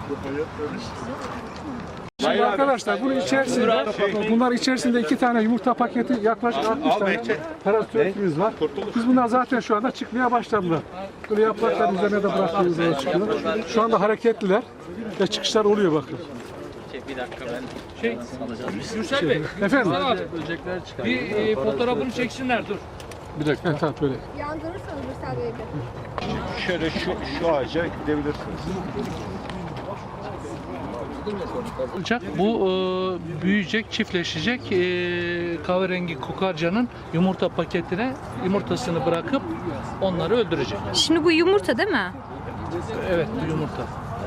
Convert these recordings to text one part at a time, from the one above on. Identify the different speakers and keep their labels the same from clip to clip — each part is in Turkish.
Speaker 1: Şimdi arkadaşlar bunun içerisinde, bunlar içerisinde 2 tane yumurta paketi, yaklaşık 60 tane parazitörümüz var. Biz bunlar zaten şu anda çıkmaya başladılar. Böyle yaprakların üzerine de bıraktığımız zaman çıkıyor. Şu anda hareketliler ve çıkışlar oluyor bakın.
Speaker 2: Bir dakika ben Gürsel Bey,
Speaker 1: Efendim?
Speaker 2: bir fotoğrafını çeksinler dur.
Speaker 1: Bir dakika, tamam böyle.
Speaker 3: Yandırırsanız Gürsel Bey'de.
Speaker 4: Şöyle şu ağaca gidebilirsiniz.
Speaker 2: Olacak. Bu büyüyecek, çiftleşecek. Kahverengi kokarcanın yumurta paketine yumurtasını bırakıp onları öldürecek.
Speaker 3: Şimdi bu yumurta değil mi?
Speaker 2: Evet, bu yumurta.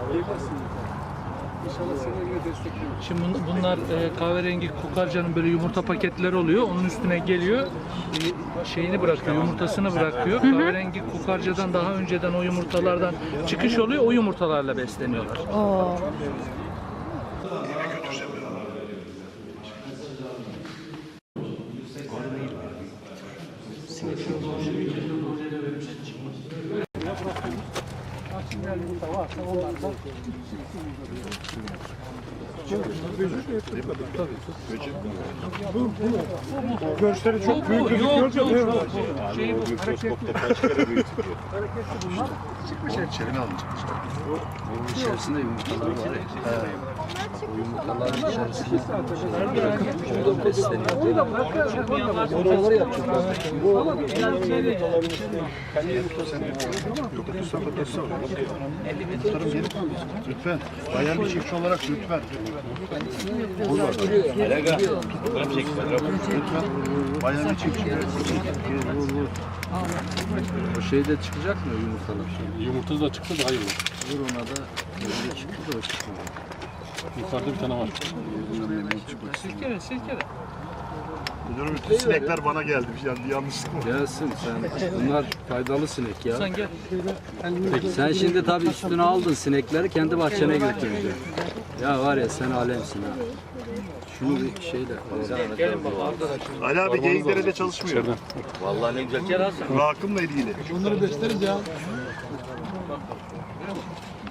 Speaker 2: Şimdi bunlar kahverengi kokarcanın böyle yumurta paketleri oluyor. Onun üstüne geliyor, şeyini bırakıyor, yumurtasını bırakıyor. Kahverengi kokarcadan daha önceden o yumurtalardan çıkış oluyor. O yumurtalarla besleniyorlar.
Speaker 3: Oo.
Speaker 1: Görseli çok büyük gözüküyor.
Speaker 4: Mikroskopta kaç kere büyütülüyor.
Speaker 5: İçerini alın çıkmışlar. Bunun içerisinde yumurtalar var ya. O yumurtaların içerisinde besleniyor.
Speaker 1: Yumurtaları yapacağız.
Speaker 4: Lütfen. Bayan bir çiftçi olarak lütfen. Lütfen. Bayan bir çiftçi.
Speaker 5: O şeyde çıkacak mı yumurtalar?
Speaker 6: Yumurtası da çıktı daha iyi olur.
Speaker 5: Vur ona da öyle çıktı da o çıkmadı.
Speaker 6: Yukarıda bir tane var.
Speaker 2: Silkele, silkele.
Speaker 4: Müdürüm bütün sinekler bana geldi. Yanlışlıkla.
Speaker 5: Gelsin sen. Bunlar faydalı sinek ya.
Speaker 2: Sen gel.
Speaker 5: Sen şimdi tabii üstüne aldın sinekleri kendi bahçene götüreceksin. Ya var ya sen alemsin ha. Şunu bir şeyle.
Speaker 2: Gelin baba arkadaşlar.
Speaker 4: Ali abi Geyikdere'de çalışmıyor.
Speaker 2: Vallahi ne güzel. Gel Hasan.
Speaker 4: Rakımla ilgili.
Speaker 1: Onları besleriz ya.